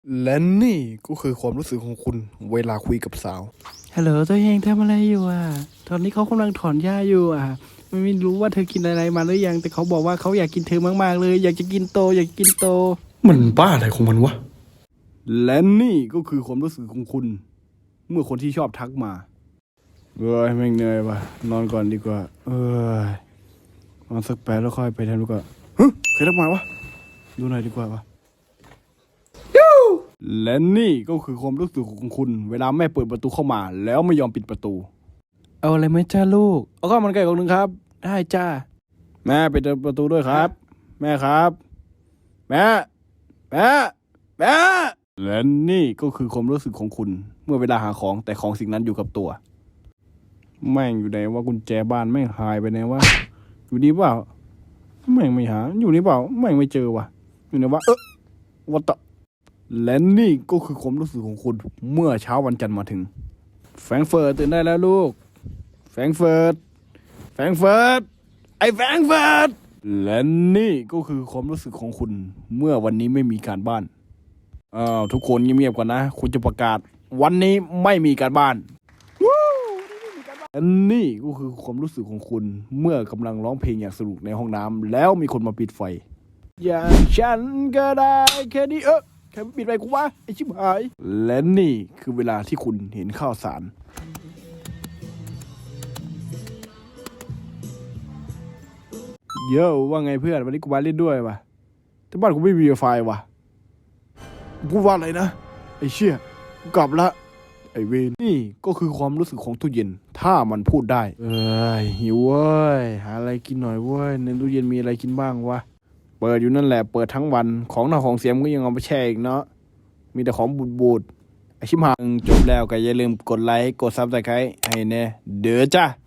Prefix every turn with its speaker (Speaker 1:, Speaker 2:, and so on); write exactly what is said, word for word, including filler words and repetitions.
Speaker 1: และนี่ก็คือความรู้สึกของคุณเวลาคุยกับสาว
Speaker 2: ฮัลโหลตัวเองทำอะไรอยู่อ่ะตอนนี้เขากำลังถอนหญ้าอยู่อ่ะไม่รู้ว่าเธอกินอะไรมาหรือยังแต่เขาบอกว่าเขาอยากกินเธอมากๆเลยอยากจะกินโตอยากกินโต
Speaker 1: มันบ้าอะไรของมันวะและนี่ก็คือความรู้สึกของคุณ เมื่อคนที่ชอบทักมาเอ้ยแม่งเหนื่อยว่ะนอนก่อนดีกว่าเอ้ยนอนสักแป๊บแล้วค่อยไปทำดีกว่าฮะใครทักมาวะดูหน่อยดีกว่าวะและนี่ก็คือความรู้สึกของคุณ เวลาแม่เปิดประตูเข้ามา แล้วไม่ยอมปิดประตู
Speaker 2: เอาอะไรไหมจ้าลูก
Speaker 1: เอาข้าวมันไก่กล่องหนึ่งครับ
Speaker 2: ได้จ้า
Speaker 1: แม่ปิดประตูด้วยครับ แม่ครับ แม่แม่แม่และนี่ก็คือความรู้สึกของคุณ เมื่อเวลาหาของแต่ของสิ่งนั้นอยู่กับตัว แม่งอยู่ไหนว่ากุญแจบ้านแม่งหายไปไหนวะอยู่นี่เปล่าแม่งไม่หาอยู่นี่เปล่าแม่งไม่เจอวะอยู่ไหนวะเออวัตและนี่ก็คือความรู้สึกของคุณ เมื่อเช้าวันจันทร์มาถึง แฟรงก์เฟิร์ตตื่นได้แล้วลูกแฟรงก์เฟิร์ตแฟรงก์เฟิร์ตไอ้แฟรงก์เฟิร์ตและนี่ก็คือความรู้สึกของคุณ เมื่อวันนี้ไม่มีการบ้านอ้าวทุกคนเงียบๆก่อนนะคุณจะประกาศวันนี้ไม่มีการบ้านและนี่ก็คือความรู้สึกของคุณ เมื่อกำลังร้องเพลงอย่างสนุกในห้องน้ำแล้วมีคนมาปิดไฟอย่างฉันก็ได้แค่นี้เออแค่ปิดไฟกูวะไอชิบหายและนี่คือเวลาที่คุณเห็นข้าวสารเยอะว่าไงเพื่อนวันนี้กูมาเล่นด้วยวะแต่บ้านกูไม่มีไฟวะพูดว่าอะไรนะไอเชี่ยกูกลับละไอเวนนี่ก็คือความรู้สึกของตู้เย็นถ้ามันพูดได้เอ้ยหิวเว้ยหาอะไรกินหน่อยเว้ยในตู้เย็นมีอะไรกินบ้างวะเปิดอยู่นั่นแหละเปิดทั้งวันของหน้าของเสียมก็ยังเอาไปแช่อีกเนาะมีแต่ของบูดๆไอชิมหางจบแล้วก็อย่าลืมกดไลค์กดซับสไครต์ให้แน่เด้อจ้า